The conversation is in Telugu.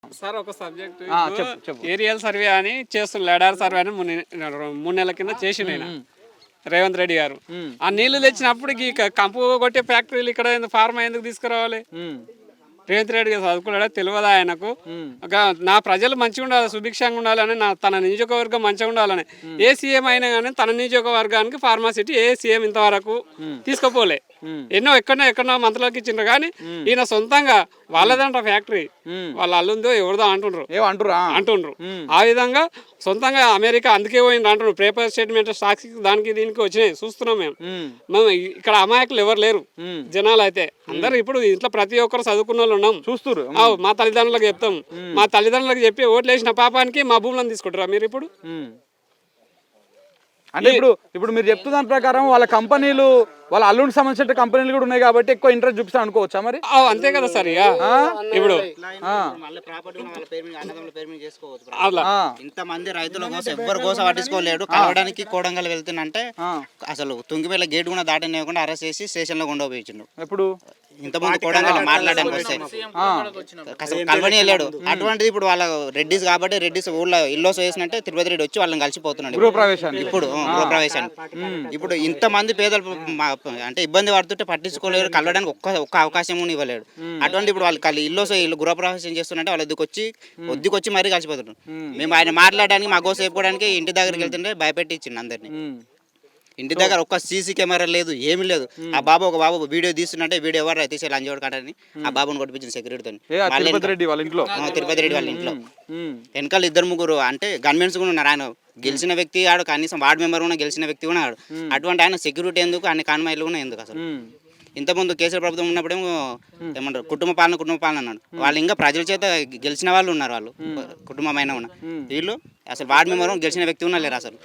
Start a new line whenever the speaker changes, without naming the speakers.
సార్ ఒక సబ్జెక్ట్
చెప్పు.
ఏరియల్ సర్వే అని చేస్తున్నారు, లడార్ సర్వే అని 3 నెలల కింద చేసిండు ఆయన రేవంత్ రెడ్డి గారు. ఆ నీళ్లు తెచ్చినప్పుడు ఈ కంపు కొట్టే ఫ్యాక్టరీలు ఇక్కడ ఫార్మా ఎందుకు తీసుకురావాలి? రేవంత్ రెడ్డి గారు చదువుకున్నాడా తెలియదా ఆయనకు? నా ప్రజలు మంచిగా ఉండాలి, సుభిక్షంగా ఉండాలని, తన నియోజకవర్గం మంచిగా ఉండాలని ఏ సీఎం అయినా కానీ తన నియోజకవర్గానికి ఫార్మాసిటీ ఏ సీఎం ఇంతవరకు తీసుకుపోలే. ఎక్కడో మంత్రులకు ఇచ్చిండ్రు కానీ ఈయన సొంతంగా వాళ్ళదంట ఫ్యాక్టరీ, వాళ్ళ అల్లుందో ఎవరిదో అంటుండ్రు. ఆ విధంగా సొంతంగా అమెరికా అందుకే పోయింది అంటున్నారు. పేపర్ స్టేట్మెంట్ స్టాక్స్ దానికి దీనికి వచ్చినాయి చూస్తున్నాం మేము. ఇక్కడ అమాయకులు ఎవరు లేరు జనాలు అయితే అందరు. ఇప్పుడు ఇంట్లో ప్రతి ఒక్కరు చదువుకున్న వాళ్ళు ఉన్నాం, చూస్తారు. మా తల్లిదండ్రులకు చెప్తాం, మా తల్లిదండ్రులకు చెప్పి ఓట్లు వేసిన పాపానికి మా భూములను తీసుకుంటారా మీరు ఇప్పుడు?
అంటే ఇప్పుడు మీరు చెప్తున్న దాని ప్రకారం వాళ్ళ కంపెనీలు, వాళ్ళ అల్లుడికి సంబంధించిన కంపెనీలు కూడా ఉన్నాయి కాబట్టి ఎక్కువ ఇంట్రెస్ట్ చూపిస్తాను అనుకోవచ్చా మరి?
అంతే కదా సార్. ఇక ఇప్పుడు
ఇంతమంది రైతుల కోసం ఎవ్వరు కోసం పట్టించుకోలేడు. కలవడానికి కోడంగల్ వెళ్తున్నంటే అసలు తుంగిపేల గేట్ కూడా దాటనివ్వకుండా అరెస్ట్ చేసి స్టేషన్ లో ఉండబోయిండు.
ఎప్పుడు
ఇంతమంది కోడంగల్ మాట్లాడడానికి వస్తే అసలు కలవని వెళ్ళాడు. అటువంటిది ఇప్పుడు వాళ్ళ రెడ్డిస్ కాబట్టి రెడ్డిస్ ఊళ్ళో ఇల్లు వేసినట్టే తిరుపతి రెడ్డి వచ్చి వాళ్ళని కలిసిపోతున్నాడు ఇప్పుడు గృహప్రవేశాన్ని. ఇప్పుడు ఇంతమంది పేదలు అంటే ఇబ్బంది పడుతుంటే పట్టించుకోలేరు, కలవడానికి ఒక్క అవకాశం కూడా ఇవ్వలేడు. అటువంటి ఇప్పుడు వాళ్ళు ఇల్లు గృహప్రవేశం చేస్తుంటే వాళ్ళ వద్దకొచ్చి మరీ కలిసిపోతున్నారు. మేము ఆయన మాట్లాడడానికి మా కోసం చెప్పుకోవడానికి ఇంటి దగ్గరికి వెళ్తుంటే భయపెట్టి ఇచ్చిండు అందరినీ. ఇంటి దగ్గర ఒక్క సీసీ కెమెరా లేదు, ఏమి లేదు. ఆ ఒక బాబు వీడియో తీస్తుంటే వీడియో ఎవరు తీసే లంజోడు కాడని ఆ బాబుని కొట్టించింది సెక్యూరిటీతో.
తిరుపతి రెడ్డి వాళ్ళ
ఇంట్లో వెనకాల 2-3 అంటే గన్మెన్స్ కూడా ఉన్నారు. ఆయన గెలిచిన వ్యక్తి ఆడు, కనీసం వార్డు మెంబర్ కూడా గెలిచిన వ్యక్తి కూడా ఆడు. అటువంటి ఆయన సెక్యూరిటీ ఎందుకు, అన్ని కాన్వాయిలు కూడా ఎందుకు? అసలు ఇంతకుముందు కేసీఆర్ ప్రభుత్వం ఉన్నప్పుడేమో ఏమంటారు కుటుంబ పాలన అన్నాడు. వాళ్ళు ఇంకా ప్రజల చేత గెలిచిన వాళ్ళు ఉన్నారు, వాళ్ళు కుటుంబమైన ఉన్న వీళ్ళు అసలు వార్డు మెంబర్ గెలిచిన వ్యక్తి ఉన్నా లేరు అసలు.